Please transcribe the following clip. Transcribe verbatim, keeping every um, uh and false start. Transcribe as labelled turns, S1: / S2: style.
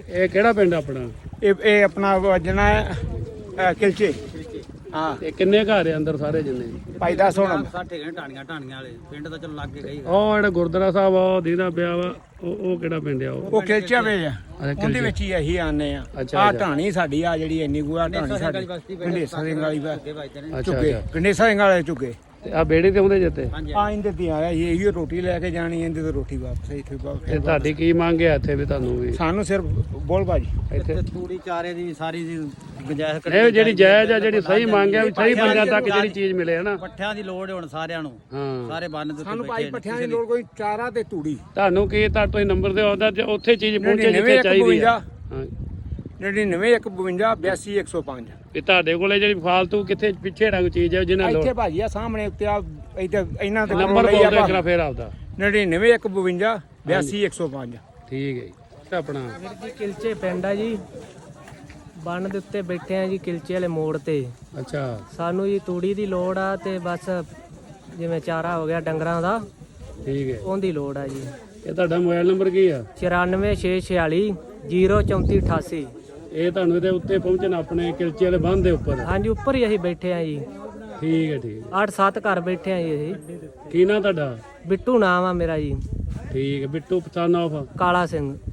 S1: ਇਹ ਕਿਹੜਾ ਪਿੰਡ ਆਪਣਾ?
S2: ਇਹ ਇਹ ਆਪਣਾ ਵਜਣਾ ਕਿਲਚੇ। ਹਾਂ
S1: ਇਹ ਕਿੰਨੇ ਘਰ ਆ ਅੰਦਰ ਸਾਰੇ ਜਿੰਨੇ?
S2: ਭਾਈ ਦੱਸ ਹੁਣ
S3: ਸਾਠੇ ਘੰਟੇ ਢਾਣੀਆਂ ਢਾਣੀਆਂ ਵਾਲੇ ਪਿੰਡ ਤਾਂ ਚਲੋ ਲੱਗ ਕੇ ਗਈ।
S1: ਉਹ ਜਿਹੜਾ ਗੁਰਦੁਆਰਾ ਸਾਹਿਬ ਆ ਉਹ ਦੀਦਾ ਪਿਆ ਵਾ, ਉਹ ਉਹ ਕਿਹੜਾ ਪਿੰਡ ਆ? ਉਹ
S2: ਉਹ ਕਿਲਚਿਆ ਵੇ ਆ,
S1: ਕਿਲਚੇ।
S2: ਉਹਦੇ ਵਿੱਚ ਹੀ ਅਸੀਂ ਆਨੇ ਆ।
S1: ਅੱਛਾ,
S2: ਆ
S1: ਅੱਛਾ।
S2: ਢਾਣੀ ਸਾਡੀ ਆ ਜਿਹੜੀ ਇੰਨੀ ਗੁਆ ਢਾਣੀ ਸਾਡੀ ਗੰਡੇਸਾ ਸਿੰਘ ਵਾਲੀ ਵਾ
S1: ਅੱਛਾ
S2: ਚੁੱਕੇ
S1: ਅੱਛਾ।
S2: ਗੰਡੇਸਾ ਸਿੰਘ ਵਾਲੇ ਚੁੱਕੇ
S1: ਤੇ ਆ ਬੇੜੀ ਤੇ ਆਉਂਦੇ ਜਿੱਤੇ?
S2: ਆ ਇੰਦੇ ਤੇ ਆਇਆ ਇਹ ਇਹੀ ਰੋਟੀ ਲੈ ਕੇ ਜਾਣੀ ਇਹਦੇ ਤੇ ਰੋਟੀ ਵਾਪਸ ਇੱਥੇ
S1: ਤੇ
S2: ਵਾਪਸ।
S1: ਤੁਹਾਡੀ ਕੀ ਮੰਗ ਹੈ ਇੱਥੇ ਵੀ ਤੁਹਾਨੂੰ ਵੀ
S2: ਸਾਨੂੰ ਸਿਰਫ ਬੋਲ ਭਾਜੀ
S1: ਇੱਥੇ?
S3: ਤੂੜੀ ਚਾਰੇ ਦੀ ਸਾਰੀ ਦੀ ਗੁੰਜਾਇਸ਼
S1: ਇਹ ਜਿਹੜੀ ਜਾਇਜ਼ ਆ, ਜਿਹੜੀ ਸਹੀ ਮੰਗ ਹੈ ਵੀ ਸਹੀ ਬੰਦਿਆਂ ਤੱਕ ਜਿਹੜੀ ਚੀਜ਼ ਮਿਲੇ ਹਨਾ।
S3: ਪੱਠਿਆਂ ਦੀ ਲੋੜ ਹੁਣ ਸਾਰਿਆਂ ਨੂੰ,
S1: ਹਾਂ
S3: ਸਾਰੇ ਬੰਨ ਦੇ
S2: ਸਾਨੂੰ ਭਾਈ ਪੱਠਿਆਂ ਦੀ ਲੋੜ ਕੋਈ ਚਾਰਾ ਤੇ ਤੂੜੀ।
S1: ਤੁਹਾਨੂੰ ਕੀ ਤਾਂ ਤੁਸੀਂ ਨੰਬਰ ਦਿਓ ਉਹਦਾ ਤੇ ਉੱਥੇ ਚੀਜ਼ ਪਹੁੰਚੇ ਜਿੱਥੇ ਚਾਹੀਦੀ ਆ। ਹਾਂ
S2: ਨੜਿਨਵੇਂ ਇੱਕ ਬਵੰਜਾ ਬਿਆਸੀ ਇੱਕ ਸੌ ਪੰਜ।
S1: ਵੀ ਤੁਹਾਡੇ ਕੋਲੇ ਜਿਹੜੀ ਫਾਲਤੂ ਕਿੱਥੇ ਪਿੱਛੇ ਰੰਗ ਚੀਜ਼ ਹੈ ਜਿਹਨਾਂ ਲੋੜ
S2: ਇੱਥੇ ਭਾਜੀ ਆ ਸਾਹਮਣੇ ਉੱਤੇ ਆ ਇੱਥੇ ਇਹਨਾਂ ਦੇ
S1: ਨੰਬਰ ਬੋਲ ਦਿਓ ਕਰਾ ਫੇਰ ਆਪਦਾ।
S2: ਨੜਿਨਵੇਂ ਇੱਕ ਬਵੰਜਾ ਬਿਆਸੀ ਇੱਕ ਸੌ ਪੰਜ।
S1: ਠੀਕ ਹੈ ਜੀ। ਆਪਣਾ
S4: ਵੀਰ ਜੀ ਕਿਲਚੇ ਪਿੰਡ ਆ ਜੀ, ਬੰਨ ਦੇ ਉੱਤੇ ਬੈਠੇ ਆ ਜੀ ਕਿਲਚੇ ਵਾਲੇ ਮੋੜ ਤੇ।
S1: ਅੱਛਾ
S4: ਸਾਨੂੰ ਜੀ ਤੂੜੀ ਦੀ ਲੋੜ ਆ ਤੇ ਬਸ ਜਿਵੇਂ ਚਾਰਾ ਹੋ ਗਿਆ ਡੰਗਰਾਂ ਦਾ
S1: ਠੀਕ ਹੈ।
S4: ਉਹਦੀ ਲੋੜ ਆ ਜੀ।
S1: ਇਹ ਤੁਹਾਡਾ ਮੋਬਾਈਲ ਨੰਬਰ ਕੀ ਆ?
S4: ਚੁਰਾਨਵੇਂ ਛੇ ਛਿਆਲੀ ਜ਼ੀਰੋ ਚੌਂਤੀ ਅਠਾਸੀ।
S1: ਇਹ ਤੁਹਾਨੂੰ ਇਹਦੇ ਉੱਤੇ ਪਹੁੰਚਣ ਆਪਣੇ ਕਿਲਚੇ ਵਾਲੇ ਬੰਨ ਦੇ ਉੱਪਰ?
S4: ਹਾਂਜੀ ਉੱਪਰ ਹੀ ਅਸੀਂ ਬੈਠੇ ਆ ਜੀ।
S1: ਠੀਕ ਹੈ ਠੀਕ ਹੈ।
S4: ਅੱਠ ਸੱਤ ਘਰ ਬੈਠੇ ਆ ਜੀ ਅਸੀਂ।
S1: ਕੀ ਨਾਂ ਤੁਹਾਡਾ?
S4: ਬਿੱਟੂ ਨਾਮ ਆ ਮੇਰਾ ਜੀ।
S1: ਠੀਕ ਹੈ। ਬਿੱਟੂ ਪਛਾਣ ਆਫ
S4: ਕਾਲਾ ਸਿੰਘ।